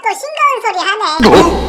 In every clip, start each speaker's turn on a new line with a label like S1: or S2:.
S1: 또 싱거운 소리 하네.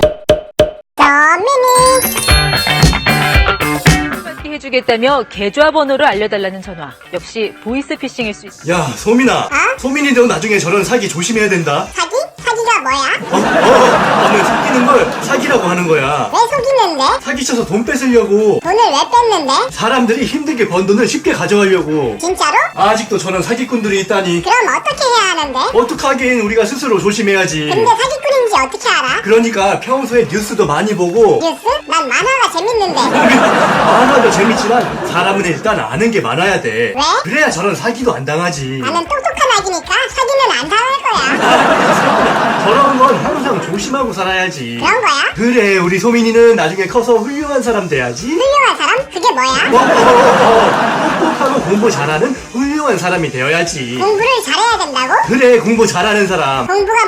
S1: 소민이
S2: 해주겠다며 계좌번호를 알려달라는 전화. 역시 보이스피싱일 수 있어.
S3: 야, 소민아.
S1: 어?
S3: 소민이 너 나중에 저런 사기 조심해야 된다.
S1: 사기? 사기가 뭐야?
S3: 너는 속이는 걸 사기라고 하는 거야.
S1: 왜 속이는데?
S3: 사기쳐서 돈 뺏으려고.
S1: 돈을 왜 뺐는데?
S3: 사람들이 힘들게 번 돈을 쉽게 가져가려고.
S1: 진짜로?
S3: 아직도 저런 사기꾼들이 있다니.
S1: 그럼 어떻게 해야 하는데?
S3: 어떡하긴 우리가 스스로 조심해야지.
S1: 근데 사기꾼인지 어떻게 알아?
S3: 그러니까 평소에 뉴스도 많이 보고.
S1: 뉴스? 난 만화가 재밌는데.
S3: 만화도 재밌지만 사람은 일단 아는 게 많아야 돼.
S1: 왜?
S3: 그래야 저런 사기도 안 당하지.
S1: 나는 똑똑한 아기니까 사기는 안 당할 거야.
S3: 저런 건 항상 조심하고 살아야지.
S1: 그런 거야?
S3: 그래, 우리 소민이는 나중에 커서 훌륭한 사람 돼야지.
S1: 훌륭한 사람? 그게 뭐야?
S3: 똑똑하고 공부 잘하는 훌륭한 사람이 되어야지.
S1: 공부를 잘해야 된다고?
S3: 그래, 공부 잘하는 사람.
S1: 공부가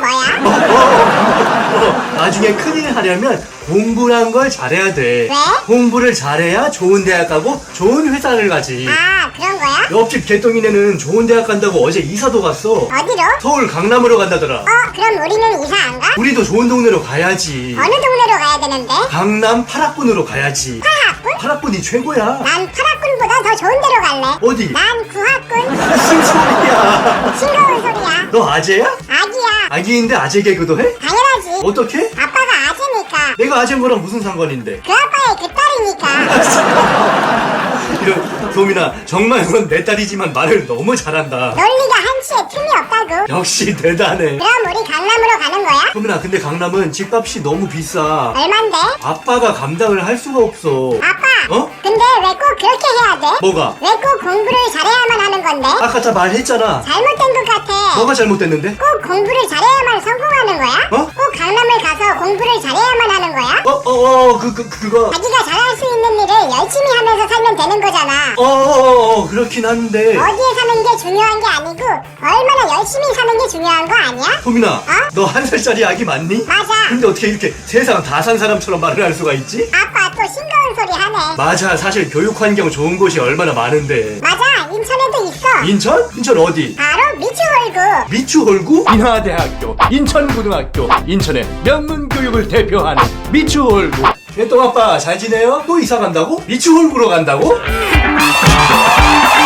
S1: 뭐야?
S3: 나중에 큰일 하려면 공부란 걸 잘해야 돼.
S1: 왜?
S3: 공부를 잘해야 좋은 대학 가고 좋은 회사를 가지.
S1: 아, 그런 거야?
S3: 옆집 개똥이네는 좋은 대학 간다고 어제 이사도 갔어.
S1: 어디로?
S3: 서울 강남으로 간다더라.
S1: 그럼 우리는 이사 안 가?
S3: 우리도 좋은 동네로 가야지.
S1: 어느 동네로 가야 되는데?
S3: 강남 8학군으로 가야지.
S1: 8학군?
S3: 8학군이 최고야.
S1: 난 8학군보다 더 좋은 데로 갈래.
S3: 어디?
S1: 난 9학군.
S3: 무슨 소리야.
S1: 싱거운 소리야.
S3: 너 아재야?
S1: 아기야.
S3: 아기인데 아재 개그도 해?
S1: 당연하지.
S3: 어떻게?
S1: 아빠가 아재니까.
S3: 내가 아재인 거랑 무슨 상관인데?
S1: 그 아빠의 그 딸이니까.
S3: 이런, 도민아, 정말 넌 내 딸이지만 말을 너무 잘한다.
S1: 논리가 한치의 틈이 없다고.
S3: 역시 대단해.
S1: 그럼 우리 강남으로 가는 거야?
S3: 도민아, 근데 강남은 집값이 너무 비싸.
S1: 얼만데?
S3: 아빠가 감당을 할 수가 없어.
S1: 아빠.
S3: 어?
S1: 근데 왜 꼭 그렇게 해야 돼?
S3: 뭐가?
S1: 왜 꼭 공부를 잘해야만 하는 건데?
S3: 아까 다 말했잖아.
S1: 잘못된 것 같아.
S3: 뭐가 잘못됐는데?
S1: 꼭 공부를 잘해야만 성공하는 거야?
S3: 어?
S1: 꼭 강남을 가서 공부를 잘해야만 하는 거야?
S3: 그거.
S1: 자기가 잘할 수 있는 일을 열심히 하면서 살면 되는 거잖아.
S3: 그렇긴 한데.
S1: 어디에 사는 게 중요한 게 아니고 얼마나 열심히 사는 게 중요한 거 아니야?
S3: 도민아, 너 1살짜리 아기 맞니?
S1: 맞아.
S3: 근데 어떻게 이렇게 세상 다 산 사람처럼 말을 할 수가 있지?
S1: 아빠 또 싱거운 소리 하네.
S3: 맞아, 사실 교육 환경 좋은 곳이 얼마나 많은데.
S1: 맞아, 인천에도 있어.
S3: 인천? 인천 어디?
S1: 바로 미추홀구.
S3: 미추홀구?
S4: 인하대학교, 인천고등학교, 인천의 명문교육을 대표하는 미추홀구.
S3: 개똥아빠 잘 지내요? 또 이사 간다고? 미추홀구로 간다고?